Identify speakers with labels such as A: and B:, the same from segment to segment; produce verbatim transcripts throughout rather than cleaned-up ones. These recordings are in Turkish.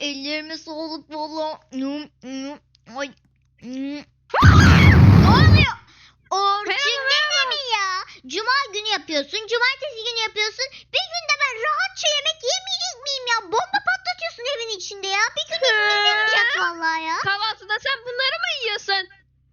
A: ellerime sağlık valla. Hmm, hmm, Ay. Hmm. Ne oluyor? Orçun gene mi ya? Cuma günü yapıyorsun, cumartesi günü yapıyorsun. Bir günde ben rahatça yemek yemeyecek miyim ya? Bomba patlatıyorsun evin içinde ya. Bir gün izniniz yapacak vallahi ya.
B: Kahvaltıda sen bunları mı yiyorsun?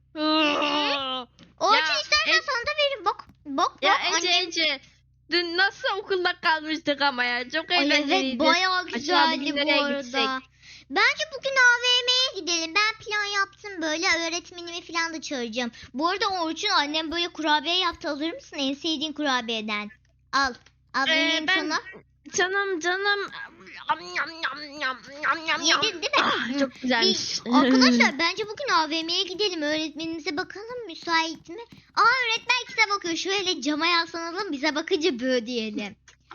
A: Orçun
B: Ya,
A: istersen
B: e-
A: sana da veririm. Bak, bak,
B: Ya
A: bak.
B: Ece
A: Annem...
B: Ece. Dün nasıl okulda kalmıştık ama ya. Çok
A: Ay evet,
B: eğlenceliydi.
A: bayağı
B: Acaba
A: güzeldi
B: bugün
A: bu
B: nereye
A: arada.
B: gitsek?
A: Bence bugün A V M'ye gidelim. Ben plan yaptım böyle. Öğretmenimi falan da çağıracağım. Bu arada Orçun, annem böyle kurabiye yaptı. Alır mısın? En sevdiğin kurabiyeden. Al. Al
B: Ee,
A: vereyim
B: ben-
A: sana.
B: Canım canım. Yam, yam, yam, yam, yam, yam, yam.
A: Yedin değil mi?
B: Ah,
A: Hı.
B: çok güzelmiş.
A: Bir- arkadaşlar bence bugün A V M'ye gidelim. Öğretmenimize bakalım müsait mi? Aa, öğretmen kitap okuyor. Şöyle cama yaslanalım. Bize bakınca bö diyelim.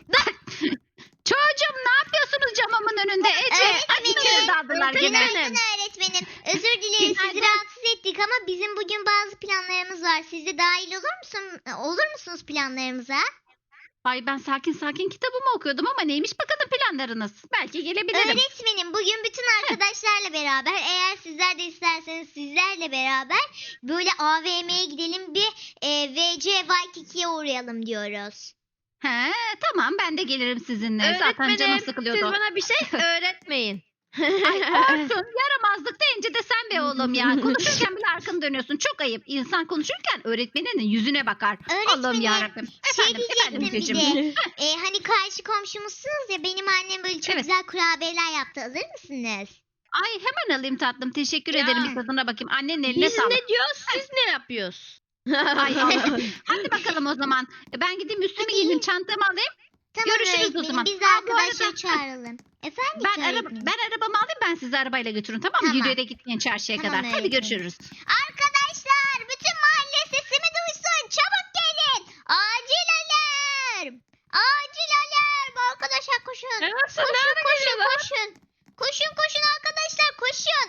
C: Çocuğum ne yapıyorsunuz camımın önünde Ece?
A: Öğretmenim.
C: Acıları dağıdılar gene.
A: Günaydın öğretmenim. Özür dileriz, sizi
C: Günaydın.
A: rahatsız ettik ama bizim bugün bazı planlarımız var. Siz de dahil olur musun? Olur musunuz planlarımıza?
C: Ay ben sakin sakin kitabımı okuyordum ama neymiş bakalım planlarınız? Belki gelebilirim.
A: Öğretmenim, bugün bütün arkadaşlarla beraber, eğer sizler de isterseniz sizlerle beraber böyle A V M'ye gidelim, bir e, V C Waikiki'ye uğrayalım diyoruz.
C: He tamam ben de gelirim sizinle. Zaten
B: Öğretmenim,
C: canım
B: siz
C: sıkılıyordu.
B: bana bir şey öğretmeyin.
C: Ay Orçun yaramazlık deyince de sen be oğlum ya. Konuşurken bile arkanı dönüyorsun. Çok ayıp. İnsan konuşurken öğretmeninin yüzüne bakar. Allah'ım
A: Öğretmenim,
C: yarabbim.
A: şey
C: Efendim, efendim
A: diyecektim bir
C: Ececiğim.
A: de. E, hani karşı komşumuzsunuz ya, benim annem böyle çok
C: Evet.
A: güzel kurabiyeler yaptı. Alır mısınız?
C: Ay hemen alayım tatlım. Teşekkür
B: Ya.
C: ederim. Bir tadına bakayım. Annenin eline
B: Biz
C: sağlık.
B: ne diyoruz, siz ne yapıyoruz?
C: Ay, hadi bakalım o zaman. Ben gideyim üstümü
A: Hadi.
C: giyineyim. Çantamı alayım.
A: Tamam
C: Görüşürüz o
A: öğretmenim,
C: zaman.
A: biz de
C: Aa, bu
A: arkadaşları
C: arada-
A: çağıralım. Efendim
C: Ben, araba,
A: öğretmenim?
C: ben arabamı alayım, ben sizi arabayla götürün, tamam mı?
A: Tamam.
C: Yürüyerek gitmeyin çarşıya
A: Tamam
C: kadar. Hadi
A: öğretmenim.
C: görüşürüz.
A: Arkadaşlar, bütün mahalle sesimi duysun. Çabuk gelin. Acil alarm. Acil alarm. Arkadaşlar koşun.
B: Ya nasıl,
A: Koşun
B: nerede
A: koşun
B: geliyorlar?
A: koşun. Koşun koşun arkadaşlar, koşun.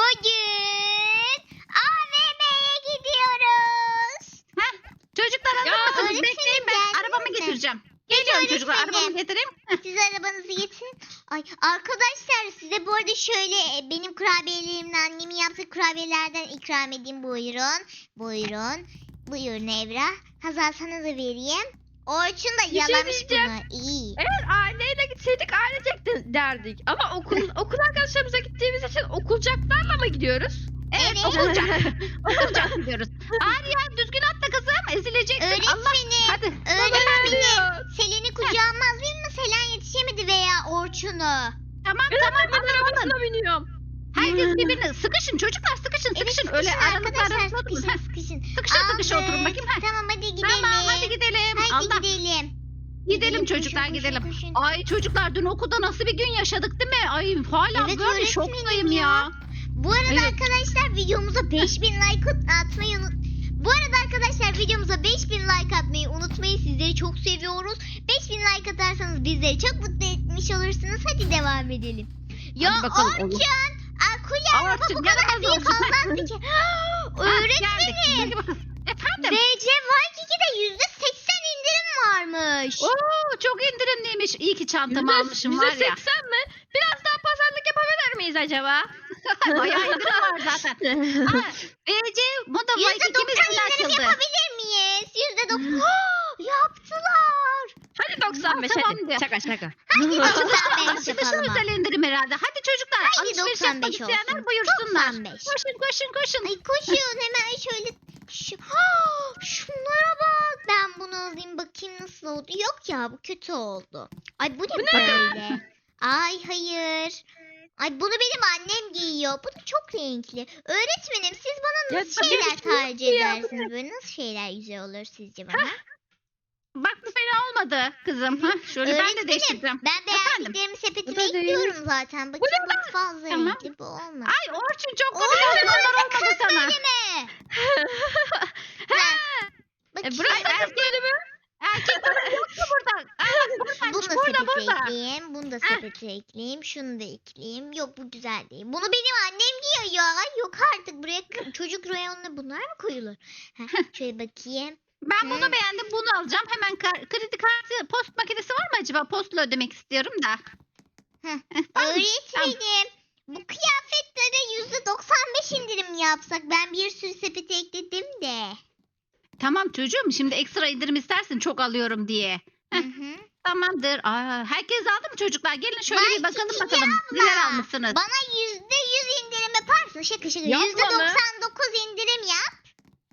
A: Bugün A V M'ye gidiyoruz.
C: Çocuklar hazır
B: Ya,
C: mısınız?
A: öğretmenim,
C: Bekleyin, ben
A: geldiniz
C: arabamı
A: mi?
C: getireceğim. Geliyorum çocuklar,
A: öğretmenim.
C: arabamı getireyim.
A: Siz arabanızı getirin. Ay arkadaşlar, size bu arada şöyle e, benim kurabiyelerimle, annemin yaptığı kurabiyelerden ikram edeyim. Buyurun. Buyurun. Buyurun Evra. Hazal, sana da vereyim. Orçun da
B: Bir şey
A: yalamış
B: diyeceğim.
A: bunu. İyi.
B: Eğer aileyle gitseydik ailecek de derdik. Ama okul okul arkadaşlarımıza gittiğimiz için okulcaklarla mı gidiyoruz?
C: Evet,
A: Evet.
C: okulcak. Okulcak gidiyoruz. Arya düzgün atla kızım, ezileceksin. Allah.
A: Öğretmenim.
C: Hadi.
A: Öğretmenim. Selen'i kucağıma alayım mı? Selen yetişemedi veya Orçun'u.
C: Tamam
B: Ben
C: tamam,
B: ben
C: alın alın.
B: arabasına biniyorum.
C: Herkes birbirine sıkışın çocuklar, sıkışın
A: Evet,
C: sıkışın.
A: sıkışın
C: Öyle aralıklar
A: arkadaşlar,
C: arasında durun.
A: sıkışın
C: Heh,
A: sıkışın.
C: Sıkışın sıkışın
A: Aldık.
C: oturun bakayım. Heh.
A: Tamam, hadi gidelim.
C: Tamam hadi gidelim.
A: Hadi
C: Allah.
A: gidelim.
C: Gidelim
A: koşun,
C: çocuklar
A: koşun,
C: gidelim.
A: koşun.
C: Ay çocuklar, dün okulda nasıl bir gün yaşadık değil mi? Ay hala
A: Evet,
C: böyle
A: öğretmenim
C: şoktayım
A: ya.
C: ya.
A: Bu arada
C: Evet.
A: arkadaşlar, videomuza beş bin like atmayı unut. Bu arada arkadaşlar, videomuza beş bin like atmayı unutmayın. Sizleri çok seviyoruz. beş bin like atarsanız bizleri çok mutlu etmiş olursunuz. Hadi devam edelim. Ya
C: Hadi bakalım, olur.
A: Orçun, Akulya araba
C: Orçun,
A: bu kadar
C: yaramaz
A: büyük
C: olsun.
A: olmaz ki.
C: Ha,
A: Öğretmenim,
C: geldik. Hadi bakalım. Efendim?
A: V C Waikiki'de yüzde seksen indirim varmış.
C: Oo çok indirimliymiş. İyi ki çantamı almışım var ya.
B: yüzde seksen mi? Biraz daha pazarlık yapabilir miyiz acaba?
C: Bayağı indirim var zaten. Ha, V C Moda
A: Yüzde
C: Waikiki'miz
A: doksan
C: yine
A: indirim
C: açıldı.
A: yapabilir miyiz? Yüzde doksan. Yaptılar.
B: Hadi doksan beş
C: Tamam
B: hadi.
C: de.
B: Şaka şaka.
A: Hadi doksan beş
C: Açılışın
A: yapalım.
C: özel indirim herhalde. Hadi çocuklar,
A: Haydi
C: alışveriş
A: doksan
C: yapmak
A: beş
C: isteyenler
A: olsun.
C: buyursunlar.
A: doksan beş.
C: Koşun koşun koşun.
A: Ay koşun hemen şöyle. Şu, Ah, şunlara bak. Ben bunu alayım bakayım nasıl oldu. Yok ya, bu kötü oldu. Ay bu ne böyle? Ay hayır. Ay bunu benim annem giyiyor. Bu da çok renkli. Öğretmenim, siz bana
B: Ya
A: nasıl
B: tabii
A: şeyler
B: ki yok
A: tercih
B: ya, bu
A: edersiniz? Böyle nasıl şeyler güzel olur sizce bana?
C: Bak bu fena olmadı kızım. Ha, şöyle ben de
A: Öğretmenim,
C: değiştireceğim.
A: ben
C: Efendim?
A: beğendiklerimi
B: Bu
A: sepetime
B: da değil.
A: ekliyorum zaten. Bakayım, bu fazla
C: Tamam.
A: renkli, bu olmaz.
C: Ay Orçun çok
A: Oo,
C: komik
A: burada
C: onlar olmadı
A: kız
C: sana.
A: bölümü.
C: Ha,
A: Bak,
C: e, burası erkek bölümü. Erkek bölümü yok mu burada? Aa, bak
A: bunu
C: buradaymış,
A: da
C: burada
A: sepete
C: burada.
A: ekleyeyim. Bunu da
C: Heh.
A: sepete ekleyeyim. Şunu da ekleyeyim. Yok, bu güzel değil. Bunu benim annem giyiyor ya. Yok artık, buraya k- çocuk reyonuna bunlar mı koyulur? Heh, şöyle bakayım.
C: Ben bunu
A: Hı.
C: beğendim, bunu alacağım. Hemen kar- kredi kartı, post makinesi var mı acaba? Postla ödemek istiyorum da.
A: Öğretmenim. Bu kıyafetlere yüzde doksan beş indirim yapsak. Ben bir sürü sepete ekledim de.
C: Tamam çocuğum, şimdi ekstra indirim istersin çok alıyorum diye.
A: Hı hı.
C: Tamamdır. Aa, herkes aldı mı çocuklar? Gelin şöyle
A: Vay
C: bir bakalım
A: Cici
C: bakalım.
A: abla.
C: Neler almışsınız?
A: Bana yüzde yüz indirim yaparsın. Şaka şaka.
B: Yapma
A: Yüzde
B: be.
A: doksan dokuz indirim yap.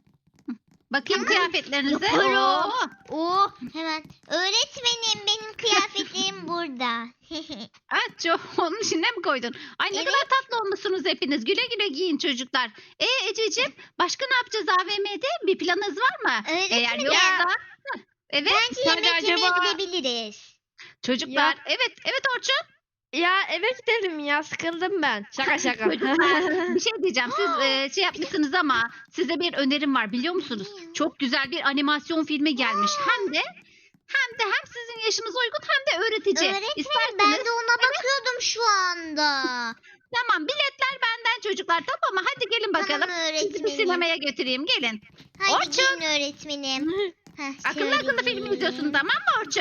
C: Bakayım kıyafetlerinize.
A: Yaparım.
C: Oo.
A: Oo, hemen. Öğretmenim benim kıyafetlerim burada.
C: Aa, çok, onun içine mi koydun? Ay ne
A: Evet.
C: kadar tatlı olmuşsunuz hepiniz. Güle güle giyin çocuklar. E Ececiğim, başka ne yapacağız A V M'de? Bir planınız var mı?
A: Öğretmenim.
C: Eğer yoksa Heh, evet
A: Bence
B: Hadi
A: yemek yemeye
B: acaba-
A: gidebiliriz.
C: çocuklar.
B: Ya-
C: Evet evet Orçun.
B: Ya eve gidelim ya, sıkıldım ben. Şaka şaka.
C: Çocuklar bir şey diyeceğim. Siz e, şey yapmışsınız ama size bir önerim var biliyor musunuz? Çok güzel bir animasyon filmi gelmiş. Hem de hem de hem sizin yaşınıza uygun hem de öğretici.
A: Öğretmenim
C: İsterseniz
A: ben de ona bakıyordum şu anda.
C: tamam, biletler benden çocuklar, tamam mı? Hadi gelin bakalım.
A: Tamam
C: Sizi bir
A: öğretmenim.
C: sinemaya götüreyim, gelin.
A: Hadi
C: Orçun.
A: gelin öğretmenim. Heh,
C: Akıllı
A: şöyle
C: akıllı film
A: gelin.
C: izliyorsun, tamam mı Orçun?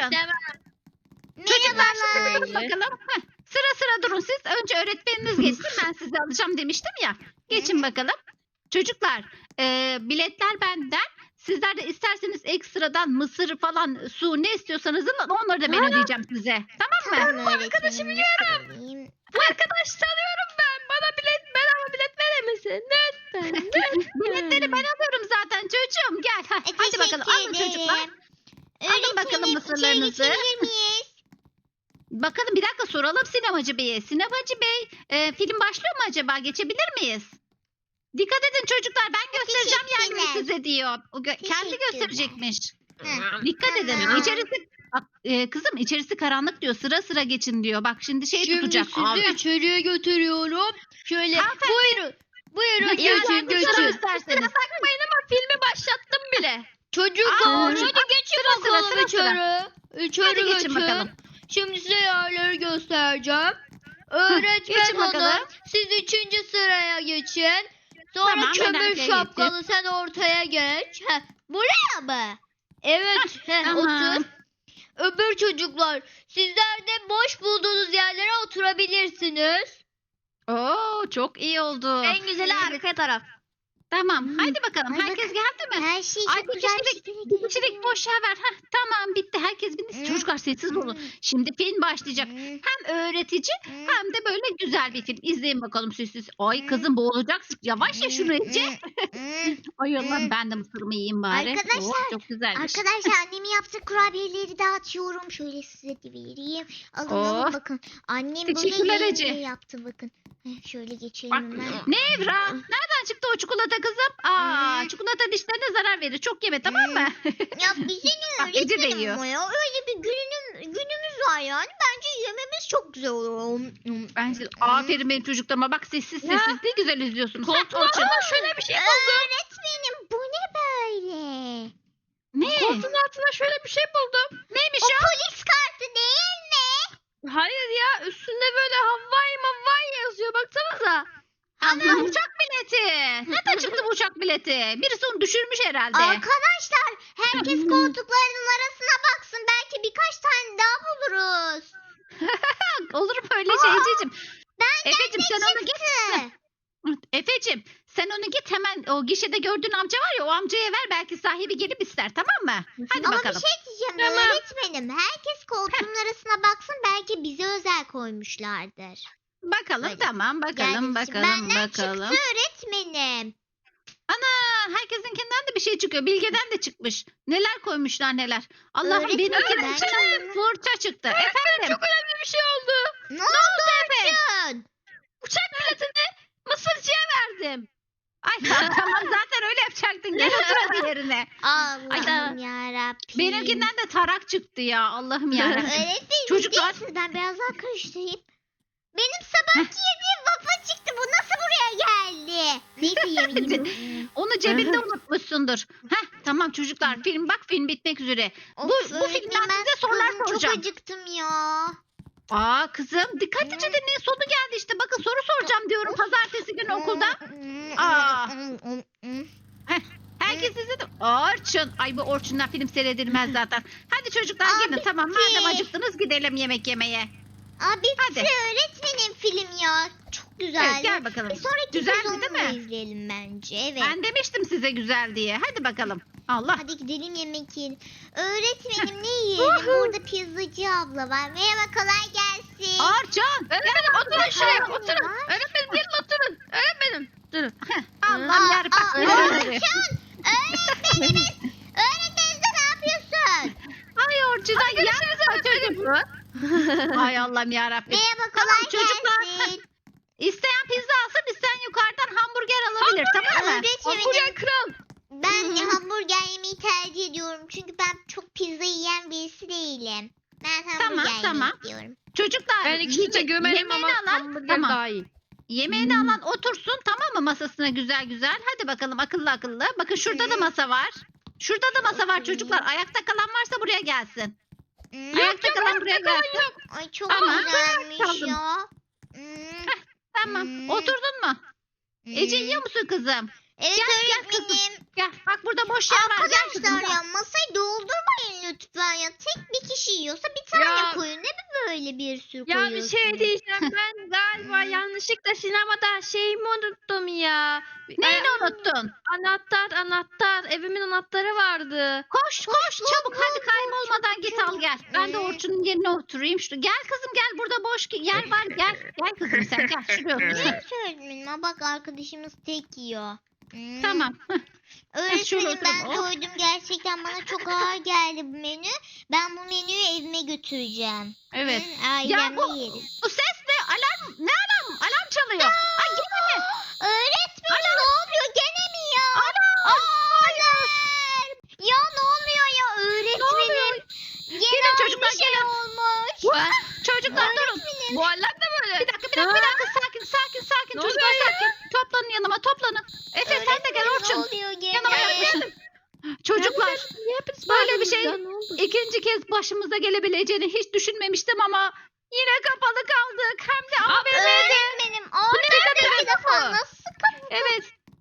A: Merhabalar.
C: Şimdi durun bakalım. Heh, sıra sıra durun siz. Önce öğretmeniniz geçsin. Ben sizi alacağım demiştim ya. Geçin bakalım. Çocuklar e, biletler benden. Sizler de isterseniz ekstradan mısır falan, su ne istiyorsanız alın, onları da ben ödeyeceğim size. Tamam mı?
A: Tamam öğretmenim. Alayım.
B: Bu arkadaş tanıyorum ben. Bana bilet, bedava bilet verir misin? Lütfen.
C: Biletleri ben alıyorum zaten çocuğum. Gel. Heh,
A: E,
C: hadi bakalım alın
A: teşekkür
C: çocuklar.
A: ederim.
C: Alın bakalım
A: Öğretmenim,
C: mısırlarınızı.
A: içeri geçebilir miyiz?
C: Bakalım bir dakika soralım sinemacı beye. Sinemacı bey e, film başlıyor mu acaba? Geçebilir miyiz? Dikkat edin çocuklar, ben göstereceğim yerleri
A: Teşekkürler.
C: size diyor. O gö- kendi
A: Teşekkürler.
C: gösterecekmiş.
A: Heh.
C: Dikkat edin.
A: Tamam.
C: İçerisi bak, e, kızım içerisi karanlık diyor. Sıra sıra geçin diyor. Bak şimdi şey
B: Şimdi
C: tutacak.
B: sizi
C: Al.
B: içeriye götürüyorum. Şöyle
C: Hanımefendi.
B: buyurun. Buyurun
C: Ya,
B: geçin
C: sen kusura
B: geçin.
C: isterseniz.
B: Bakmayın ama filmi başlattım bile. Çocuklar
C: Aa,
B: hadi
C: çocuk-
B: geçin
C: sıra sıra,
B: bakalım
C: sıra sıra.
B: içeri. İçeri
C: Hadi geçin
B: geçin.
C: bakalım.
B: Şimdi size yerleri göstereceğim.
C: geçin
B: Öğretmen
C: bakalım.
B: hanım siz üçüncü sıraya geçin. Sonra
C: Tamam, ben
B: kömür
C: arkaya
B: şapkalı sen ortaya geç. Heh, buraya mı? Evet heh,
C: Tamam.
B: otur. Öbür çocuklar sizler de boş bulduğunuz yerlere oturabilirsiniz.
C: Oo çok iyi oldu.
B: En güzeli arka taraf.
C: Tamam.
A: Hmm.
C: Haydi bakalım.
A: Ay,
C: Herkes
A: bakın.
C: geldi mi?
A: Her şey
C: Ay,
A: çok
C: bir
A: güzel
C: kişilik-
A: şekilde
C: Bir kişilik boş yer ver. Heh, tamam bitti. Herkes bindi.
A: Hmm.
C: Çocuklar sessiz olun. Şimdi film başlayacak. Hem öğretici hem de böyle güzel bir film. İzleyin bakalım siz siz. Ay
A: Hmm.
C: kızım boğulacaksın. Yavaş ya şunu Ece.
A: Hmm.
C: Ay Allah
A: Hmm.
C: ben de mısırımı yiyeyim bari.
A: Arkadaşlar,
C: Oh, çok güzelmiş.
A: Arkadaşlar annemin yaptığı kurabiyeleri dağıtıyorum. Şöyle size de vereyim. Alın alın
C: Oh.
A: bakın. Annem
C: Teşekkürler
A: böyle
C: Ece.
A: yemeği yaptı bakın. Heh, şöyle geçelim
B: Bak.
A: hemen.
C: Ne Evra? Nereden çıktı o çikolata kızım? Aa,
A: Hmm.
C: çikolata dişlerine zarar verir. Çok yeme tamam mı?
A: Ya bize ne
C: Bak, Ece de
A: öğretmenim
C: yiyor.
A: ama ya. Öyle bir gününüm, günümüz var yani. Bence yememiz çok güzel olur.
C: Bence aferin benim çocuklarıma. Bak sessiz
B: Ya.
C: sessiz ne güzel izliyorsunuz.
B: Koltuğun
C: Heh, Orçun.
B: altında şöyle bir şey buldum.
A: Öğretmenim bu ne böyle?
C: Ne?
B: Koltuğun altında şöyle bir şey buldum.
C: Neymiş
A: O
C: o?
A: polis kartı değil mi?
B: Hayır ya üstünde böyle Hawaii Mavai yazıyor baksanıza.
C: Ana uçak bileti. Nereden çıktı bu uçak bileti? Birisi onu düşürmüş herhalde.
A: Arkadaşlar herkes koltuklarının arasına baksın. Belki birkaç tane daha buluruz.
C: Olur mu öyle şey Ececiğim?
A: Benden
C: Efeciğim
A: ne
C: sen onu git.
A: çıktı?
C: Efeciğim sen onu git hemen o gişede gördüğün amca var ya o amcaya ver belki sahibi gelip ister tamam mı? Hadi
A: Ama
C: bakalım.
A: bir şey diyeceğim
B: Tamam.
A: öğretmenim. Herkes koltuğun arasına baksın. Belki bize özel koymuşlardır.
C: Bakalım
A: Hadi.
C: tamam bakalım
A: Gelsin.
C: bakalım
A: Benden
C: bakalım.
A: çıktı öğretmenim.
C: Ana herkesinkinden de bir şey çıkıyor. Bilge'den de çıkmış. Neler koymuşlar neler. Allah'ım
A: Öğretmenim,
C: benimkinden
A: ben
C: içinden
A: de-
C: fırça çıktı. Efendim.
B: Çok önemli bir şey oldu.
A: Ne oldu Orçun?
B: Uçak biletini Mısırcıya verdim.
C: Ay tamam zaten öyle yapacaktın. Gel otur hadi yerine.
A: Allah'ım yarabbim.
C: Benimkinden de tarak çıktı ya. Allah'ım yarabbim.
A: Öğretmenim
C: Çocuklar-
A: Çocuklar... ben biraz daha karıştırayım. Benim sabahki yediğim waffle çıktı. Bu nasıl buraya geldi? Neyse yemeyeyim.
C: Onu cebinde unutmuşsundur. Heh tamam çocuklar film bak film bitmek üzere.
A: Of,
C: Bu- bu
A: öğretmenim,
C: filmden
A: ben
C: size sorular
A: sıkıldım,
C: soracağım.
A: Çok acıktım ya.
C: Aa kızım dikkatlice dinleyin sonu geldi işte. Bakın soru soracağım diyorum pazartesi günü okulda. Aa. Herkes izledi. Orçun. Ay bu Orçun'dan film seyredilmez zaten. Hadi çocuklar
A: Aa,
C: gelin tamam
A: bitti.
C: madem acıktınız gidelim yemek yemeye.
A: Abi
C: Hadi.
A: bize öğretmenim film ya. Çok güzel.
C: Evet, gel bakalım.
A: Bir sonraki
C: Güzeldi,
A: sezonunu
C: değil mi?
A: izleyelim bence. Evet.
C: Ben demiştim size güzel diye. Hadi bakalım. Allah.
A: Hadi gidelim yemek yiyelim. Öğretmenim ne yiyelim? Burada pizzacı abla var. Merhaba kolay gelsin.
C: Arcan.
B: Öğretmenim oturun şuraya
A: bakalım.
B: oturun. Öğretmenim gelin oturun. Öğretmenim. Durun.
C: Allah'ım
A: Aa,
C: yarabbim.
A: aa,
C: Özür dilerim.
A: Orçun! Öğretmenimiz! Öğretmenimiz de ne yapıyorsun?
C: Ay Orçun'dan yapma çocuk. Ay Allah'ım yarabbim.
A: Merhaba
C: Tamam,
A: kolay
C: çocuklar.
A: gelsin.
C: İsteyen pizza alsın, isteyen yukarıdan hamburger alabilir, tamam mı?
B: Hamburger
A: Öğretmenim
B: kral.
A: ben hamburger yemeyi tercih ediyorum. Çünkü ben çok pizza yiyen birisi değilim. Ben hamburger
C: Tamam,
A: yemek
C: tamam.
A: istiyorum.
C: Çocuklar,
B: Ben ikisini de
C: yeme-
B: gömerim ama
C: yemeğini alan,
B: hamburger
C: tamam.
B: daha iyi.
C: Yemeğini alan otursun, tamam mı, masasına güzel güzel. Hadi bakalım akıllı akıllı. Bakın şurada da
A: Hı.
C: masa var. Şurada da masa var
A: Hı.
C: çocuklar. Ayakta kalan varsa buraya gelsin.
A: Hmm,
C: Ayakta kalan buraya gelsin.
A: Ay çok
C: Tamam,
A: güzelmiş
C: kaldım.
A: ya. Hmm,
C: Tamam.
A: Hmm.
C: Oturdun mu? Ece
A: hmm.
C: yiyor musun kızım?
A: Evet
C: Gel, gel kızım.
A: öğretmenim.
C: Gel. Bak burada boş yer var. Gel kızım.
A: Arkadaşlar
C: gel.
A: ya masayı doldurmayın lütfen ya. Tek bir kişi yiyorsa bir tane
B: Ya-
A: koyun. Ne mi böyle bir sürü
B: Ya bir
A: koyuyorsunuz?
B: şey diyeceğim. Ben galiba
A: Hmm.
B: yanlışlıkla sinemada şeyimi unuttum ya.
C: Neyini
B: Ay-
C: unuttun?
B: Anahtar anahtar. Evimin anahtarı vardı.
C: Koş koş çabuk hadi kaybolmadan git al gel. Ben de
A: Ee?
C: Orçun'un yerine oturayım. Şu, gel kızım gel burada boş ki- yer var gel. Gel kızım sen gel şuraya otur.
A: Ne söyledim ama bak arkadaşımız tek yiyor. Hmm.
C: Tamam. heh, şöyle
A: Öğretmenim ben
C: oturalım. Oh.
A: doydum. Gerçekten bana çok ağır geldi bu menü. Ben bu menüyü evime götüreceğim.
C: Evet.
A: Hı, ailemle
C: bu-
A: yerim.
C: Bu ses ne? Alarm ne alarm? Alarm çalıyor. Ay gene mi?
A: Öğretmenim ne oluyor? Gene mi ya? Alarm! Ya ne oluyor ya öğretmenim? Gene
C: Gelin
A: aynı
C: çocuklar,
A: şey
C: gelin.
A: olmuş.
C: Ha, Çocuklar durun.
B: Bu alarm da böyle.
C: Bir dakika bir dakika bir dakika sakin sakin sakin.
B: Ne
C: Çocuklar
B: oluyor ya?
C: sakin. Toplanın yanıma toplanın. Efe sen de gel
A: Öğretmenim,
C: Orçun.
A: Ne oluyor gene?
C: Yanıma yaklaşın. Çocuklar
B: Niye hepiniz
C: böyle bir
B: bağırdınız
C: şey
B: ya? Ne oldu?
C: ikinci kez başımıza gelebileceğini hiç düşünmemiştim ama yine kapalı kaldık. Hem de A V M'de.
A: Öğretmenim orada bir defa
B: kapı?
A: nasıl kapı?
C: Evet.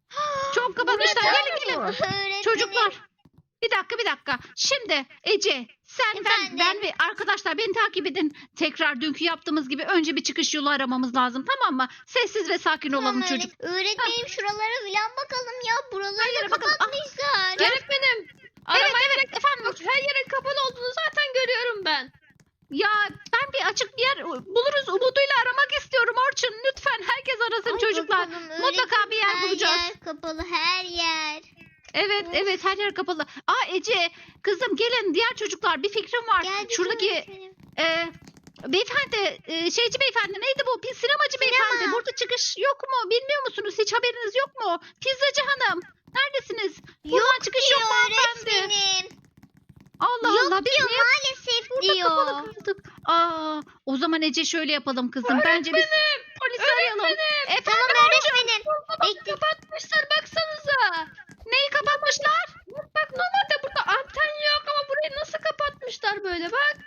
C: Çok kapatmışlar. Gelin gelin.
A: Öğretmenim.
C: Çocuklar. Bir dakika bir dakika. Şimdi Ece sen ben,
A: Efendim?
C: ben ve arkadaşlar beni takip edin. Tekrar dünkü yaptığımız gibi önce bir çıkış yolu aramamız lazım, tamam mı? Sessiz ve sakin
A: Tamam,
C: olalım
A: öğret-
C: çocuk.
A: Öğretmenim şuralara filan bakalım ya. Buraları
C: Hayır,
A: da
C: bakalım. Ah,
A: kapatmışlar.
B: Öğretmenim.
C: Evet
B: Arama
C: evet efendim.
B: Bak her yerin kapalı olduğunu zaten görüyorum ben.
C: Ya ben bir açık bir yer buluruz umuduyla aramak istiyorum Orçun. Lütfen herkes arasın
A: Ay,
C: çocuklar.
A: bakalım,
C: Mutlaka
A: öğretmenim,
C: bir yer
A: her
C: bulacağız.
A: yer kapalı her yer.
C: Evet
A: Of.
C: evet her yer kapalı. Aa Ece kızım gelin diğer çocuklar bir fikrim var.
A: Geldik
C: Şuradaki
A: öğretmenim.
C: e, beyefendi e, şeyci beyefendi neydi bu? Pis sinemacı beyefendi. Burada çıkış yok mu? Bilmiyor musunuz? Hiç haberiniz yok mu? Pizzacı hanım. Neredesiniz? Buradan çıkış yok
A: Diyor
C: mu hanımefendi?
A: öğretmenim.
C: Allah
A: Yok
C: Allah biz
A: diyor
C: niye
A: maalesef
C: burada
A: diyor.
C: kapalı kaldık? Aa, o zaman Ece şöyle yapalım kızım. Bence biz polisi arayalım. Efendim
A: Tamam öğretmenim. Bekle.
B: Kapatmışlar baksanıza.
C: neyi kapatmışlar?
B: Bak normalde burada anten yok ama burayı nasıl kapatmışlar böyle bak.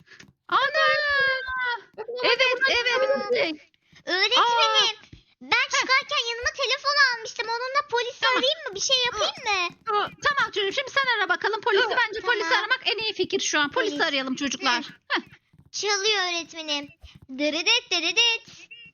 C: Ana.
B: Bak, normalde
C: Evet
B: buradan
C: evet.
B: çıkabilirdik.
A: Öğretmenim. Ben çıkarken yanıma telefon almıştım. Onunla polisi
C: Tamam.
A: arayayım mı? Bir şey yapayım mı?
C: Tamam çocuğum şimdi sen ara bakalım polisi.
B: Tamam.
C: Bence polisi aramak en iyi fikir şu an. Polisi
A: Polis.
C: arayalım çocuklar. Heh.
A: Çalıyor öğretmenim. Dırıdıt dırıdıt.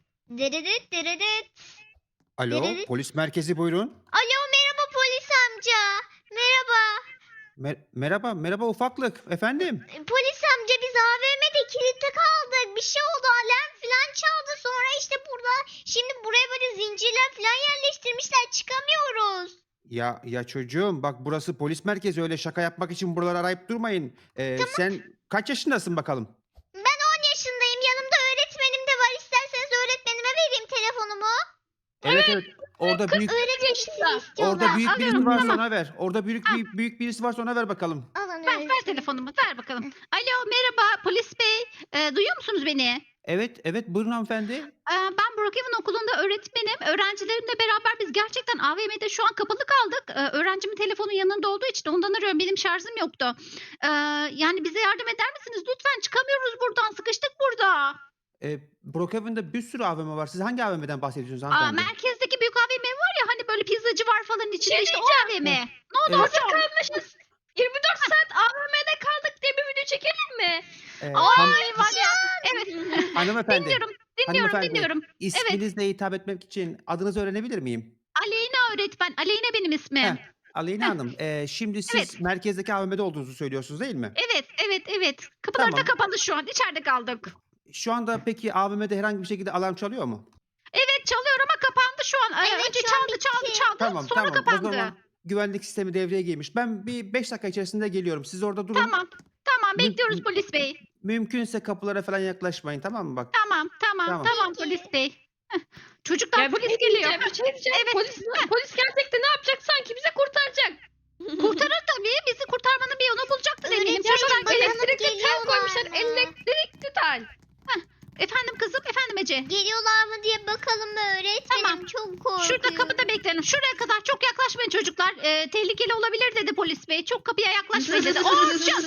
A: Dırıdıt dırıdıt.
D: Alo,
A: Nereli?
D: polis merkezi buyurun.
A: Alo merhaba polis amca. Merhaba.
D: Mer- merhaba, merhaba ufaklık. Efendim?
A: Polis amca biz A V M'de kilitli kaldık. Bir şey oldu alarm falan çaldı. Sonra işte burada şimdi buraya böyle zincirler falan yerleştirmişler. Çıkamıyoruz.
D: Ya ya çocuğum, bak burası polis merkezi. Öyle şaka yapmak için buraları arayıp durmayın. Ee, Sen kaç yaşındasın bakalım?
A: Ben on yaşındayım. Yanımda öğretmenim de var. İsterseniz öğretmenime vereyim telefonumu.
D: Evet evet. Orada büyük
A: Öğretmenim sizi istiyorlar.
D: orada büyük birisi
C: Alıyorum,
D: varsa
C: tamam.
D: ona ver. Orada büyük
C: Ha.
D: büyük, büyük birisi varsa ona ver bakalım.
A: Alın
C: Ver,
A: öğretmenim.
C: ver telefonumu ver bakalım. Alo merhaba polis bey. Ee, duyuyor musunuz beni?
D: Evet evet buyurun hanımefendi.
C: Ee, ben Brookhaven okulunda öğretmenim. Öğrencilerimle beraber biz gerçekten A V M'de şu an kapalı kaldık. Ee, öğrencimin telefonu yanında olduğu için ondan arıyorum. Benim şarjım yoktu. Ee, yani bize yardım eder misiniz? Lütfen çıkamıyoruz buradan. Sıkıştık burada.
D: Ee, Brookhaven'da bir sürü A V M var. Siz hangi A V M'den bahsediyorsunuz
C: Aa,
D: hanımefendi?
C: merkezdeki büyük A V M var ya hani böyle pizzacı var falan içinde
B: Şey
C: işte o A V M. Ne oldu
D: Evet.
C: hocam?
B: Kalmışız. yirmi dört saat A V M'de kaldık diye bir video çekelim mi?
D: Ee,
C: Ay
D: han-
C: var ya. Evet.
D: hanımefendi.
C: Dinliyorum. Dinliyorum.
D: Hanımefendi.
C: Dinliyorum.
D: İsminizle hitap etmek için adınızı öğrenebilir miyim?
C: Aleyna öğretmen. Aleyna benim ismim.
D: Heh, Aleyna
C: Heh.
D: Hanım. ee, şimdi siz
C: Evet.
D: merkezdeki A V M'de olduğunuzu söylüyorsunuz değil mi?
C: Evet, evet, evet. Kapılar da
D: Tamam.
C: kapalı şu an. İçeride kaldık.
D: Şu anda peki A V M'de herhangi bir şekilde alarm çalıyor mu?
C: Evet çalıyor ama kapandı şu an. Ee,
A: Evet,
C: Önce
A: şu an
C: çaldı, çaldı,
A: bitti.
C: çaldı.
D: Tamam
C: Sonra
D: tamam. O
C: kapandı.
D: zaman güvenlik sistemi devreye girmiş. Ben bir beş dakika içerisinde geliyorum. Siz orada durun.
C: Tamam. Tamam
D: Mü-
C: bekliyoruz
D: mü-
C: polis bey.
D: Mümkünse kapılara falan yaklaşmayın, tamam mı? Bak.
C: Tamam, tamam,
D: Tamam.
C: tamam polis bey. Heh. Çocuklar
B: Ya bir
C: polis
B: şey
C: geliyor.
B: diyeceğim, bir şey diyeceğim.
C: Evet.
B: Polis, polis gelecek de ne yapacak sanki bize kurtaracak.
C: Kurtarır tabii. Bizi kurtarmanın bir yolunu bulacaktır eminim.
A: Öğretmenim,
C: Çocuklar
A: bakalım
B: Elektrikli tel
A: geliyorlar
B: koymuşlar.
A: mı?
B: Elektrikli tel.
C: Efendim kızım, efendim Ece.
A: Geliyorlar mı diye bakalım mı öğretmenim?
C: Tamam.
A: Çok korkuyorum.
C: Şurada kapıda bekleyin. Şuraya kadar çok yaklaşmayın çocuklar. Ee, tehlikeli olabilir dedi polis bey. Çok kapıya yaklaşmayın dedi. Orçun!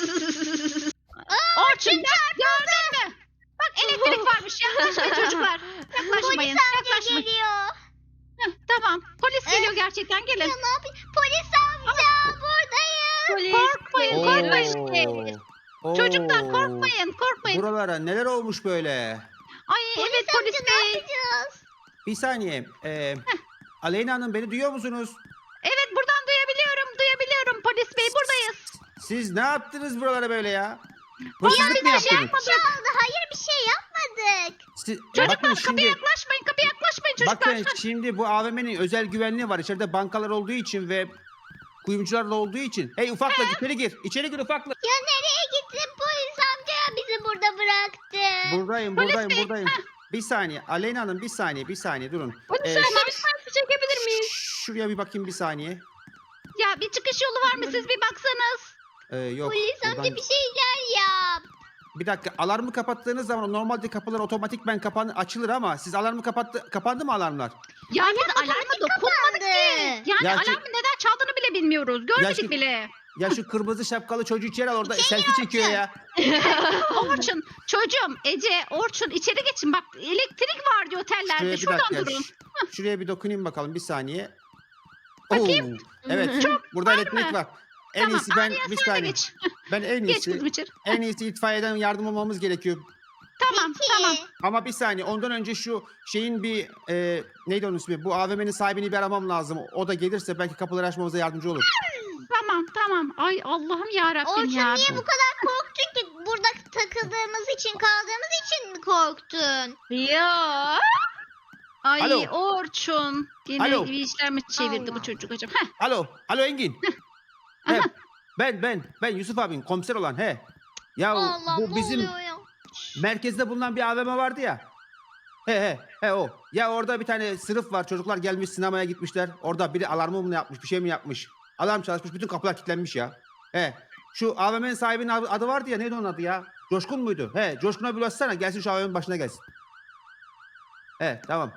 C: Orçun gördün mü? Bak elektrik varmış. Yaklaşmayın çocuklar. Yaklaşmayın. Yaklaşmayın.
A: Geliyor.
C: Heh, tamam. Polis geliyor gerçekten. Gelin.
A: Ya ne yapayım? Polis amca buradayım.
B: Polis.
C: Korkmayın,
B: Polis.
C: korkmayın.
D: Oo.
C: Çocuklar
D: Oo.
C: korkmayın, korkmayın.
D: Buralara neler olmuş böyle?
C: Ay evet polis
A: Ne
C: bey.
A: yapacağız?
D: Bir saniye. Ee, Aleyna Hanım beni duyuyor musunuz?
C: Evet buradan duyabiliyorum, duyabiliyorum polis bey. Buradayız.
D: Siz ne yaptınız buralara böyle ya?
C: Biz
D: Hırsızlık
C: bir
D: mı
C: şey
D: yaptınız?
A: Çaldı. Hayır bir şey yapmadık.
D: Siz,
C: Çocuklar
D: bakın
C: kapıya
D: şimdi,
C: yaklaşmayın, kapıya yaklaşmayın çocuklar.
D: bakın şimdi bu A V M'nin özel güvenliği var. İçeride bankalar olduğu için ve kuyumcularla olduğu için. Hey ufaklık içeri gir. İçeri gir ufaklık.
A: Ya nereye gittin polis amca ya bizi burada bıraktı.
D: Buradayım,
C: Polis
D: buradayım,
C: bey,
D: buradayım. Bir saniye. Aleyna Hanım bir saniye, bir saniye durun.
B: Polis
D: Ee,
B: amca bir selfie çekebilir miyiz?
D: Şuraya bir bakayım bir saniye.
C: Ya bir çıkış yolu var mı siz bir baksanız.
D: Ee, yok.
A: Polis amca
D: buradan-
A: bir şeyler yap.
D: Bir dakika alarmı kapattığınız zaman normalde kapılar otomatik ben kapan açılır ama siz alarmı kapattı kapandı mı alarmlar?
C: Ya biz alarma dokunmadık ki. Yani
D: Ya şu-
C: alarmın neden çaldığını bile bilmiyoruz. Görmedik
D: şu-
C: bile.
D: Ya şu kırmızı şapkalı çocuğu içeri al orada selfie çekiyor ya.
C: Orçun, çocuğum, Ece, Orçun içeri geçin. Bak elektrik var diyor otellerde.
D: Şuraya bir
C: Şuradan
D: dakika.
C: durun.
D: ş- Şuraya bir dokunayım bakalım bir saniye.
C: Bakayım.
D: Oo, evet. Burada elektrik
C: mı?
D: var. En
C: Tamam,
D: iyisi ben
C: Arya
D: bir
C: sen de
D: saniye.
C: geç.
D: Ben en
C: Geç
D: iyisi
C: kızım içeri.
D: en iyisi itfaiyeden yardım almamız gerekiyor.
C: Tamam,
A: Peki.
C: tamam.
D: Ama bir saniye ondan önce şu şeyin bir e, neydi onun ismi? Bu A V M'nin sahibini bir aramam lazım. O da gelirse belki kapıları açmamıza yardımcı olur.
C: Tamam, tamam. Ay Allah'ım ya Rabbim
A: Orçun
C: ya.
A: niye bu kadar korktun ki? Burada takıldığımız için kaldığımız için mi korktun?
B: Ya.
C: Ay
D: Alo.
C: Orçun. Yine
D: Alo.
C: bir işler mi çevirdi
A: Allah.
C: bu çocuk acaba? Heh.
D: Alo, alo Engin. he, ben ben ben Yusuf abin komiser olan he. Ya
A: Allah
D: bu
A: ne
D: bizim
A: oluyor ya?
D: merkezde bulunan bir A V M vardı ya. He he he o. Ya orada bir tane sınıf var. Çocuklar gelmiş sinemaya gitmişler. Orada biri alarmı mı yapmış, bir şey mi yapmış? Alarm çalışmış, bütün kapılar kilitlenmiş ya. He. Şu A V M'nin sahibinin adı adı vardı ya. Neydi onun adı ya? Coşkun muydu? He, Coşkun'a bir ulaşsana. Gelsin şu A V M'nin başına gelsin. He, tamam.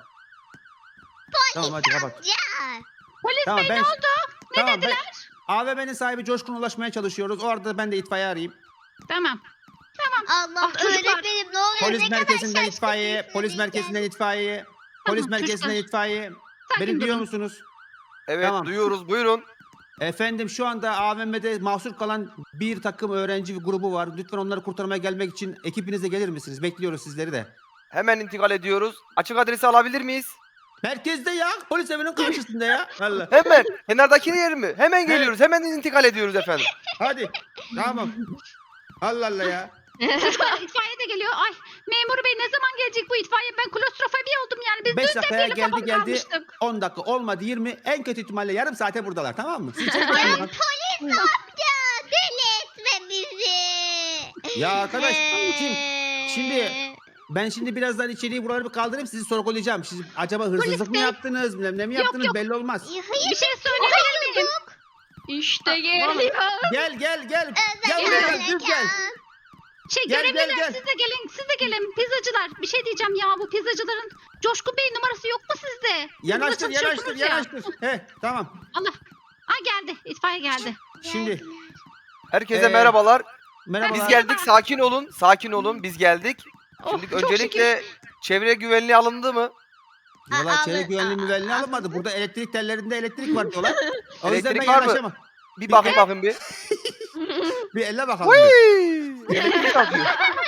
D: Tamam hadi kapat.
A: Ya.
C: Polis
D: Tamam
C: bey
D: ben
C: ne oldu? Ne
D: tamam, ben-
C: dediler?
D: A V M'nin sahibi Coşkun'a ulaşmaya çalışıyoruz. O arada ben de itfaiye arayayım.
C: Tamam.
A: Allah
C: Ah, çocuklar.
A: öğretmenim ne oluyor?
D: Polis
A: ne kadar
D: merkezinden
A: şaşkın
D: itfaiye,
A: değilsiniz
D: polis
A: ya.
D: merkezinden itfaiye, polis
C: Tamam,
D: merkezinden
C: çocuklar.
D: itfaiye.
C: Sakin
D: Beni duyuyor
C: durun.
D: musunuz?
E: Evet
D: Tamam.
E: duyuyoruz buyurun.
D: Efendim şu anda A V M'de mahsur kalan bir takım öğrenci grubu var. Lütfen onları kurtarmaya gelmek için ekibinize gelir misiniz? Bekliyoruz sizleri de.
E: Hemen intikal ediyoruz. Açık adresi alabilir miyiz?
D: Merkezde ya. Polis evinin karşısında ya. Allah.
E: Hemen. Kenardaki yer mi? Hemen geliyoruz. Hemen intikal ediyoruz efendim.
D: Hadi. Tamam. Allah Allah ya.
C: Çocuklar itfaiye de geliyor. Ay memur bey ne zaman gelecek bu itfaiye? Ben klostrofobi oldum yani. Biz
D: Beş
C: dün de
D: dakikaya
C: gelip
D: geldi
C: kafam
D: geldi.
C: kalmıştık.
D: on dakika olmadı yirmi. En kötü ihtimalle yarım saate buradalar tamam mı? Siz içeri geçin bakalım.
A: Polis amca deli etme bizi.
D: Ya arkadaş, kim?
A: Ee,
D: Şimdi Ben şimdi birazdan içeriği buraları bir kaldırayım sizi sorgulayacağım. Siz acaba hırsızlık mı
C: bey.
D: yaptınız? Bilmem ne mi
C: Yok,
D: yaptınız
C: yok.
D: belli olmaz.
A: Ya hayır
C: Bir şey söyleyebilir miyim?
B: İşte geliyor.
D: Gel gel gel. Gel
A: özel
D: buraya gel.
A: harekat.
D: Dur gel.
C: Şey
D: Gel,
C: görevliler
D: gel, gel.
C: siz de gelin. Siz de gelin. Pizzacılar. Bir şey diyeceğim ya bu pizzacıların Coşkun Bey numarası yok mu sizde? Siz burada
D: Yanaştır yanaştır
C: çalışıyorsunuz ya.
D: yanaştır. He tamam.
C: Allah. Aa geldi. İtfaiye geldi.
D: Şimdi
E: Herkese
D: Ee,
E: merhabalar.
D: merhabalar.
E: Biz geldik. Sakin olun. Sakin olun. Biz geldik.
C: Oh,
E: Şimdi
C: çok
E: öncelikle çevre güvenliği alındı mı?
D: Valla
A: Aa,
D: çevre
A: aldı-
D: güvenliği
A: aa,
D: müvenliği
A: aa,
D: alınmadı. Burada elektrik tellerinde elektrik var diyorlar. O yüzden
E: Elektrik
D: ben
E: var mı?
D: yanaşamam.
E: Bir bakın bakın bir.
D: Bir elle bakalım. bir.
E: Hıy! Elektrik akıyor.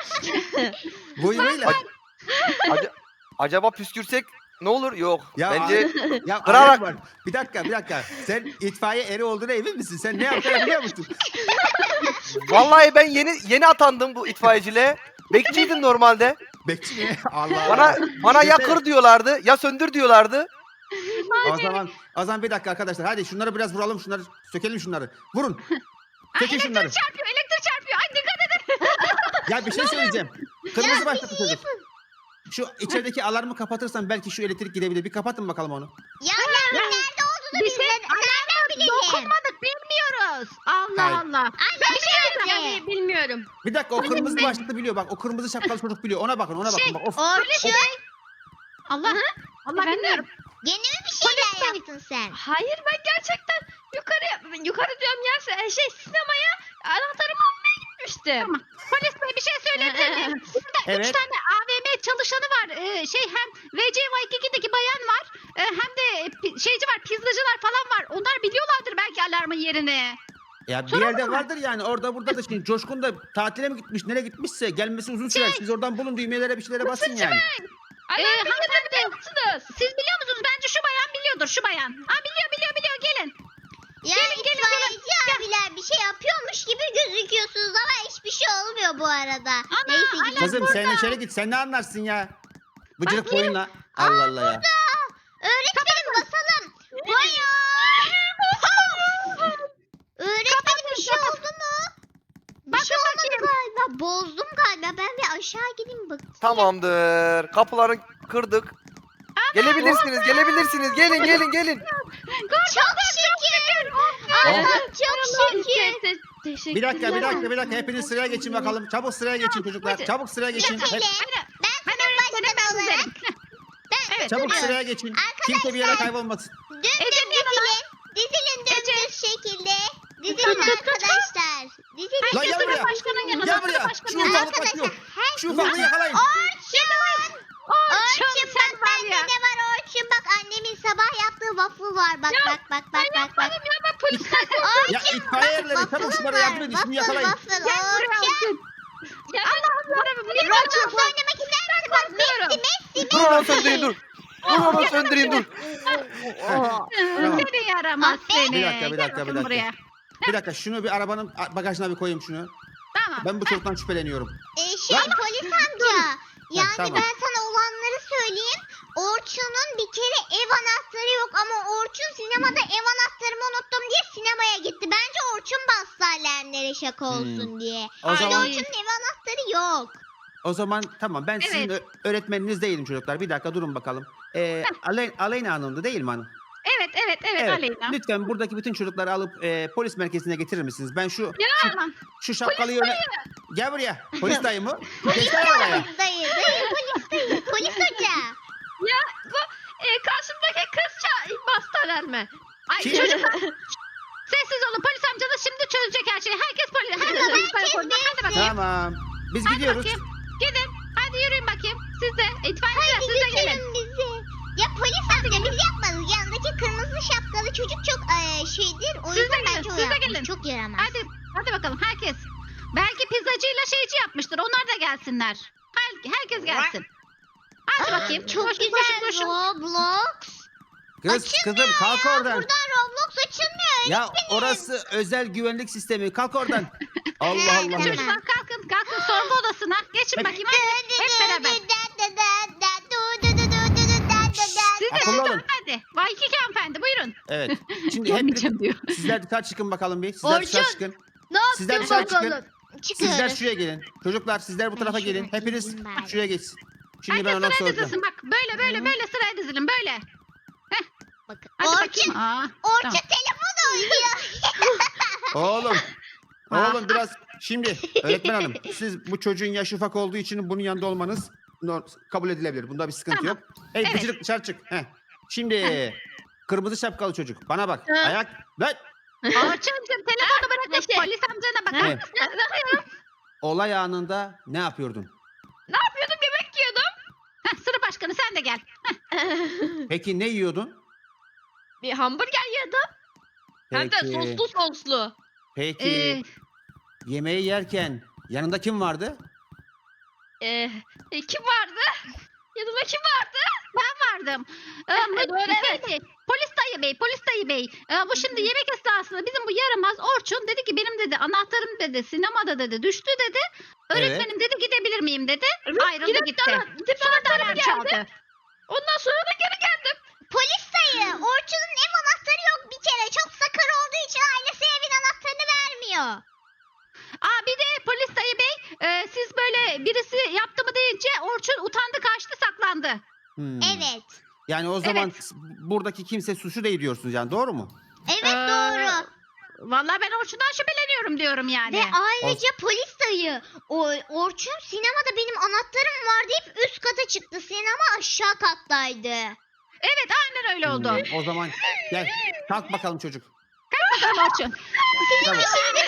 D: Buyuruyla.
E: Aca- acaba püskürsek ne olur? Yok.
D: Ya
E: Bence
D: Ya
E: Kırarak-
D: ayak var. Bir dakika bir dakika. Sen itfaiye eri olduğuna emin misin? Sen ne yaptığını biliyor musun?
E: vallahi ben yeni yeni atandım bu itfaiyeciliğe. Bekçiydim normalde.
D: Bekçi mi? Allah
E: Bana
D: Allah.
E: bana ya
D: Düşünsene.
E: kır diyorlardı, ya söndür diyorlardı.
D: O zaman, o zaman bir dakika arkadaşlar. Hadi şunları biraz vuralım. Şunları sökelim şunları. Vurun. Sökün şunları.
C: Çarpıyor elektrik çarpıyor. Ay dikkat edin.
D: Ya bir şey söyleyeceğim. Kırmızı başladı çocuk. Şu içerideki alarmı kapatırsan belki şu elektrik gidebilir. Bir kapatın bakalım onu.
A: Ya alarmın nerede olduğunu
C: Bir
A: biz
C: şey
A: de- nereden bilelim?
C: dokunmadık bilmiyoruz. Allah
D: Hayır.
C: Allah.
A: Ay
B: Ben bir şey
A: nerede?
B: diyeceğim. Bilmiyorum.
D: Bir dakika o kırmızı başlıklı biliyor. Bak o kırmızı şapkalı çocuk biliyor. Ona bakın ona bakın.
C: Şey,
D: Bak, of.
A: Orçun
C: Allah. Allah
B: Efendim?
C: bilmiyorum.
A: gene mi bir şeyler yaptın sen?
B: Hayır ben gerçekten yukarı yukarı diyorum ya se- şey sinemaya anahtarımı almaya gitmiştim.
C: Tamam. Polis bey bir şey söyleyebilir miyim? Burada
D: Evet.
C: üç tane A V M çalışanı var. Ee, şey hem V C Y iki'deki bayan var. e, hem de pi- şeyci var, pizzacılar falan var. Onlar biliyorlardır belki alarmın yerini.
D: Ya bir
C: Soralım
D: yerde
C: mı?
D: vardır yani. Orada burada da şimdi Coşkun da tatile mi gitmiş? Nereye gitmişse gelmesi uzun sürer. Siz oradan bulun düğmelere bir şeylere basın yani.
B: Alarm
C: Ee,
B: bildiğini
C: hanımefendi.
B: biliyor musunuz?
C: Siz biliyor musunuz? Bence şu bayan biliyordur şu bayan. Ha biliyor biliyor biliyor gelin.
A: Ya
C: Gelin, gelin,
A: itfaiyeci abiler bir şey yapıyormuş gibi gözüküyorsunuz ama hiçbir şey olmuyor bu arada.
C: Ana,
A: Neyse
C: alarm
A: gidelim.
D: Kızım sen içeri git. Sen ne anlarsın ya? Bıcırık boyunla. Allah Allah ya.
A: Öğretmenim basalım. Hayır. Öğretmenim bir şey oldu mu? Bir şey olmadı galiba. Bozdum galiba. Ben bir aşağı gideyim bak.
E: Tamamdır. Kapıları kırdık. Gelebilirsiniz, gelebilirsiniz. Gelin, gelin, gelin.
A: Çok şükür. Allah'ım çok şükür.
B: Te- te- Teşekkürler.
D: Bir dakika bir dakika bir dakika. Hepiniz sıraya geçin bakalım. Çabuk sıraya geçin çocuklar.
C: Hadi.
D: Çabuk sıraya geçin.
A: Hele
D: Hep-
A: ben
C: Ben
A: sınıf
C: öğretmenim ben
A: başkanı olarak
C: sizlerim.
A: ben
D: Çabuk
A: duruyorum.
D: sıraya geçin. Kimse bir yere kaybolmasın.
A: Dümdüz
C: Ece'nin yanına.
A: dizilin. Dizilin dümdüz şekilde. Dizilin arkadaşlar. Dizilin.
D: Lan
C: Herkes
D: gel
C: sınıf
D: buraya.
C: başkanının yanına.
D: Gel
C: sınıf
D: buraya.
C: başkanının
D: Şu
C: yanına.
D: ufaklık kaçıyor.
A: Her
D: Şu ufaklığı yakalayın.
A: Orçun. Orçun
C: Orçun,
A: bak
C: sen var
A: bende
C: ya.
A: ne var Orçun bak annemin sabah yaptığı waffle var bak
B: Ya,
A: bak bak bak bak bak.
B: Yapmadım ya ben polisten
D: Ya itfaiye erleri çabuk şunlara yardım edin. Şunu yakalayın.
A: Waffle
C: Gel buraya
A: Orçun.
C: Orçun.
B: Ya Allah'ım niye
A: Roblox oynamak ister misin? Bak Messi Messi
E: Dur onu söndüreyim, dur. Dur onu söndüreyim, dur.
D: Tamam.
C: Seni yaramaz
A: Aferin.
C: seni.
D: Bir dakika, bir
C: Gel
D: dakika, bir
C: bakayım
D: dakika.
C: buraya.
D: Bir dakika şunu bir arabanın bagajına bir koyayım şunu.
C: Tamam.
D: Ben bu çocuktan şüpheleniyorum.
A: Ee, şey polis amca. Yani
D: tamam.
A: ben sana olanları söyleyeyim. Orçun'un bir kere ev anahtarı yok ama Orçun sinemada ev anahtarımı unuttum diye sinemaya gitti. Bence Orçun bastı alarmlara şaka olsun diye.
D: Hmm. O
A: Yani
D: zaman
A: Orçun'un ev anahtarı yok.
D: o zaman tamam ben sizin
C: Evet.
D: ö- öğretmeniniz değilim çocuklar. Bir dakika durun bakalım. Ee, Ale Aleyna Hanım'dı değil mi hanım?
C: Evet evet evet, Aleyna.
D: Lütfen buradaki bütün çocukları alıp e, polis merkezine getirir misiniz? Ben şu
C: Tamam.
D: şu şapkalıyı öne... Gel buraya. Polis dayı mı? Geçsene oraya.
A: Polis dayı, dayı polis dayı, polis hoca.
B: Ya bu e, karşımdaki kızça bastı alarmı.
C: Ay
D: Kim?
C: çocuklar. Sessiz olun polis amcanız şimdi çözecek her şeyi. Herkes polis. Herkes polis karakoluna. Hadi bakayım.
D: Tamam. Biz
C: Hadi
D: gidiyoruz.
C: bakayım. Gidin. Hadi yürüyün bakayım. Siz de. İtfaiyeciler siz de gelin.
A: Götürün bizi. Ya polis amca biz yapmadık. Yanındaki kırmızı şapkalı çocuk çok eee, şeydir. O
C: Siz de
A: yüzden
C: gelin,
A: bence o
C: siz de
A: yapmış.
C: gelin.
A: Çok yaramaz.
C: Hadi. Hadi bakalım herkes. Belki pizzacıyla şeyci yapmıştır. Onlar da gelsinler. Her, herkes gelsin. Hadi bakayım.
A: Çok
C: Koşun,
A: güzel
C: koşun, koşun.
A: Roblox.
D: Kız kızım kalk oradan.
A: Buradan Roblox açılmıyor.
D: Ya orası özel güvenlik sistemi. Kalk oradan. Allah Allah.
A: Tamam.
C: Çocuklar kalkın kalkın sorgu odasına. Geçin bakayım hadi. Hep beraber. Siz de
D: Akıllı
C: siz de
D: olun.
C: hadi. Vay iki hanımefendi buyurun.
D: Evet. Şimdi hep
C: Gelmeyeceğim diyor.
D: sizler dışarı çıkın bakalım bir. Sizler dışarı
A: Orçun.
D: çıkın.
A: Ne
D: Sizler
A: yaptın
D: dışarı çıkın.
A: bakalım?
D: Sizler
A: Çıkıyoruz.
D: şuraya gelin. Çocuklar sizler bu
A: Ben
D: tarafa
A: şuraya
D: gelin. Hepiniz
A: gideyim bari.
D: şuraya geçsin. Şimdi ben
C: Herkes
D: ona
C: sıraya
D: soracağım.
C: dizilsin bak. Böyle böyle böyle sıraya dizilin böyle.
A: Bakın.
C: Hadi
A: Orçun,
C: bakayım. Aa,
A: Orçun
C: tamam.
A: telefon oynuyor.
D: Oğlum.
C: Ah.
D: Oğlum biraz şimdi öğretmen hanım siz bu çocuğun yaşı ufak olduğu için bunun yanında olmanız no- kabul edilebilir. Bunda bir sıkıntı
C: Tamam.
D: yok. Hey
C: Evet.
D: Bıcırık dışarı çık. Heh. Şimdi kırmızı şapkalı çocuk bana bak.
B: Hı.
D: Ayak. Lan.
C: Orçuncuğum telefonu bırakıp
B: Neşe.
C: polis amcana bakar
D: Evet.
C: mısın?
D: Olay anında ne yapıyordun?
B: Ne yapıyordum yemek yiyordum.
C: Heh, sınıf başkanı sen de gel.
D: Peki ne yiyordun?
B: Bir hamburger yedim. Hem de
D: Peki.
B: soslu soslu.
D: Peki
C: Ee,
D: yemeği yerken yanında kim vardı?
B: Ee, e, kim vardı? Yanımda kim vardı?
C: Ben vardım. Ee,
B: Doğru, evet.
C: şey, polis dayı bey, polis dayı bey. Ee, bu şimdi yemek esnasında bizim bu yaramaz Orçun dedi ki benim dedi anahtarım dedi sinemada dedi düştü dedi. Öğretmenim dedi gidebilir miyim dedi. Ayrıldı
B: Gidip
C: gitti.
B: de- gidip
C: Sonra da
B: anahtarımı
C: alarm
B: geldi.
C: çaldı.
B: Ondan sonra da geri geldim.
A: Polis dayı, Orçun'un ev anahtarı yok bir kere. Çok sakar olduğu için ailesi evin anahtarını vermiyor.
C: Aa bir de polis dayı bey e, siz böyle birisi yaptı mı deyince Orçun utandı kaçtı saklandı.
D: Hmm.
A: Evet.
D: Yani o zaman buradaki kimse suçlu değil diyorsunuz yani doğru mu?
A: Evet
C: Ee,
A: doğru.
C: Vallahi ben Orçun'dan şüpheleniyorum diyorum yani.
A: Ve ayrıca polis dayı, o, Orçun sinemada benim anahtarım var deyip üst kata çıktı. Sinema aşağı kattaydı.
C: Evet aynen öyle oldu.
D: Hmm, o zaman gel kalk bakalım çocuk.
C: Bakalım Orçun.
D: Tamam.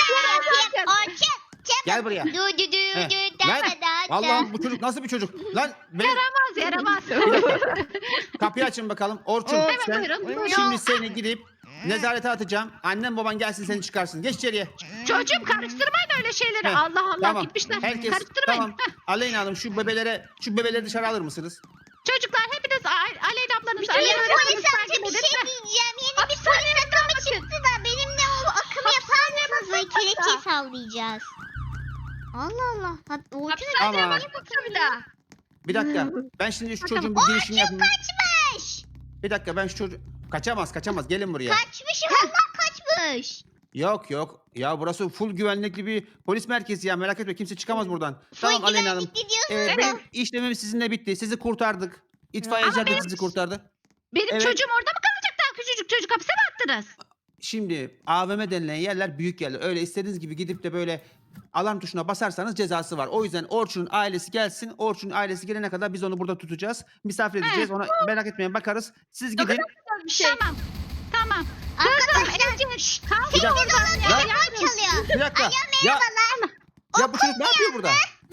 A: Orçun.
D: Gel buraya.
A: Du du du
D: Heh.
A: du da
D: Lan,
A: da da.
D: Allah'ım bu çocuk nasıl bir çocuk? Lan beni...
C: Yaramaz yaramaz.
D: Bir dakika. Kapıyı açın bakalım. Orçun
C: Evet,
D: sen
C: buyurun, buyurun.
D: şimdi seni gidip nezarete atacağım. Annem baban gelsin seni çıkarsın. Geç içeriye.
C: Çocuğum karıştırmayın öyle şeyleri.
D: Heh,
C: Allah Allah
D: Tamam.
C: gitmişler.
D: Herkes
C: Karıştırmayın.
D: tamam. Aleyna Hanım şu bebelere şu bebeleri dışarı alır mısınız?
C: Çocuklar hepiniz A- Aleyna ablanız.
A: Ya
C: Aleyna
A: polis
C: ablanızı
A: amca
C: takip
A: bir
C: edin.
A: şey diyeceğim. Yeni bir polis akımı çıktı da benimle o akımı yapar mısınız? Böyle kelepçeyi sallayacağız. Allah Allah. Ha, Orçun
B: Hapishaneye
D: Ama-
B: bakmışım bir daha.
D: Bir dakika. Ben şimdi şu çocuğun bir girişini yapayım.
A: kaçmış.
D: Bir dakika ben şu çocuğu... Kaçamaz kaçamaz. Gelin buraya.
A: Kaçmış Allah kaçmış.
D: Yok yok. Ya burası full güvenlikli bir polis merkezi ya. Merak etme kimse çıkamaz buradan. Tamam
A: Full
D: Aleyna Hanım.
A: güvenlikli diyorsunuz
D: Ee,
A: da.
D: benim işlemim sizinle bitti. Sizi kurtardık. İtfaiyeciler de sizi kurtardı.
C: Benim
D: Evet.
C: çocuğum orada mı kalacak daha küçücük çocuk hapse mi attınız?
D: Şimdi A V M denilen yerler büyük yerler. Öyle istediğiniz gibi gidip de böyle alarm tuşuna basarsanız cezası var. O yüzden Orçun'un ailesi gelsin. Orçun'un ailesi gelene kadar biz onu burada tutacağız. Misafir edeceğiz. Ona merak etmeyin bakarız. Siz gidin.
B: Güzel bir şey.
C: Tamam. Tamam.
A: Arkadaşlar
C: Ece, kalk
D: Bir dakika.
A: olun
D: Ya,
A: telefon çalıyor.
D: bir dakika. Ya,
A: Merhabalar.
D: ya bu çocuk ne yapıyor burada?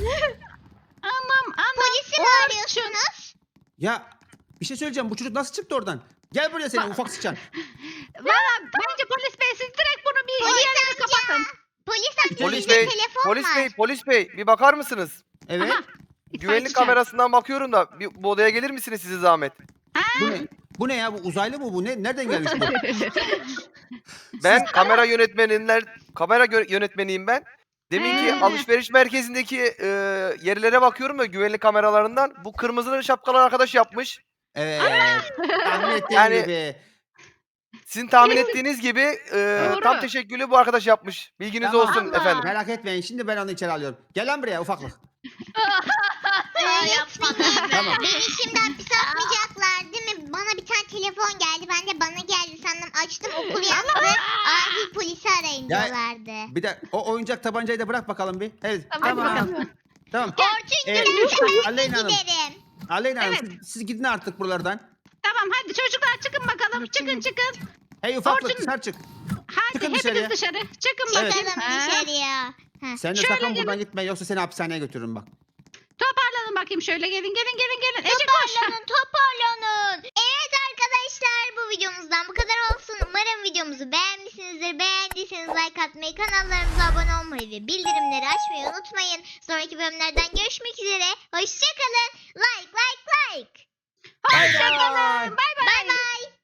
C: Anam anam.
A: Polisi mi
C: Orçun.
A: arıyorsunuz?
D: Ya bir şey söyleyeceğim. Bu çocuk nasıl çıktı oradan? Gel buraya senin ufak sıçan.
C: Valla bence polis bey siz direkt bunu bir
A: Polis
C: yerlere kapatın.
A: Polis amca
E: Polis
A: bizde
E: bey,
A: telefon
E: polis
A: var.
E: bey, polis bey bir bakar mısınız?
D: Evet.
C: Aha,
E: Güvenlik
C: itfaiyeci
E: kamerasından bakıyorum da bir, bu odaya gelir misiniz size zahmet?
D: Bu ne? Bu ne ya? Bu uzaylı mı bu? Ne? Nereden gelmiş bu?
E: Ben kamera yönetmeninden kamera gö- yönetmeniyim ben. Deminki
C: He.
E: alışveriş merkezindeki e, yerlere bakıyorum da güvenlik kameralarından bu kırmızılı şapkalı arkadaş yapmış.
D: Evet. Tahmin ettiğim
E: Yani-
D: gibi.
E: Sizin tahmin ettiğiniz gibi e,
C: Doğru.
E: tam teşekkülü bu arkadaş yapmış. Bilginiz
D: Tamam.
E: olsun
C: Allah.
E: efendim.
D: Merak etmeyin. Şimdi ben onu içeri alıyorum. Gel lan buraya ufaklık.
A: Öğretmenim.
D: Tamam.
A: Beni şimdi hapise atmayacaklar değil mi? Bana bir tane telefon geldi. Ben de bana geldi sandım. Açtım okul yazdı. Acil polisi arayın
D: Ya-
A: diyorlardı.
D: Bir de o oyuncak tabancayı da bırak bakalım bir. Evet.
B: Tamam,
D: Tamam.
B: bakalım.
D: Tamam.
A: Orçun
D: Ee,
A: giderse ben de
D: Aleyna Hanım.
A: giderim.
D: Aleyna Hanım
C: Evet.
D: siz, siz gidin artık buralardan.
C: Tamam hadi çocuklar çıkın bakalım. Çıkın çıkın.
D: Hey ufaklık
C: Orçun-
D: dışarı çık.
C: Hadi
D: Çıkın
C: hepiniz
D: dışarıya.
C: dışarı. Çıkın
D: Evet.
C: bakayım.
A: Çıkalım
C: Ha.
A: dışarıya. Heh.
D: Sen de
C: Şöyle
D: sakın
C: gelin.
D: buradan gitme yoksa seni hapishaneye götürürüm bak.
C: Toparlanın bakayım şöyle gelin gelin gelin gelin. Ece koş.
A: Toparlanın toparlanın. Evet arkadaşlar bu videomuzdan bu kadar olsun. Umarım videomuzu beğenmişsinizdir. Beğendiyseniz like atmayı, kanallarımıza abone olmayı ve bildirimleri açmayı unutmayın. Sonraki bölümlerden görüşmek üzere. Hoşçakalın. Like like like.
C: Hoşçakalın. Bay bay.
A: Bay bay.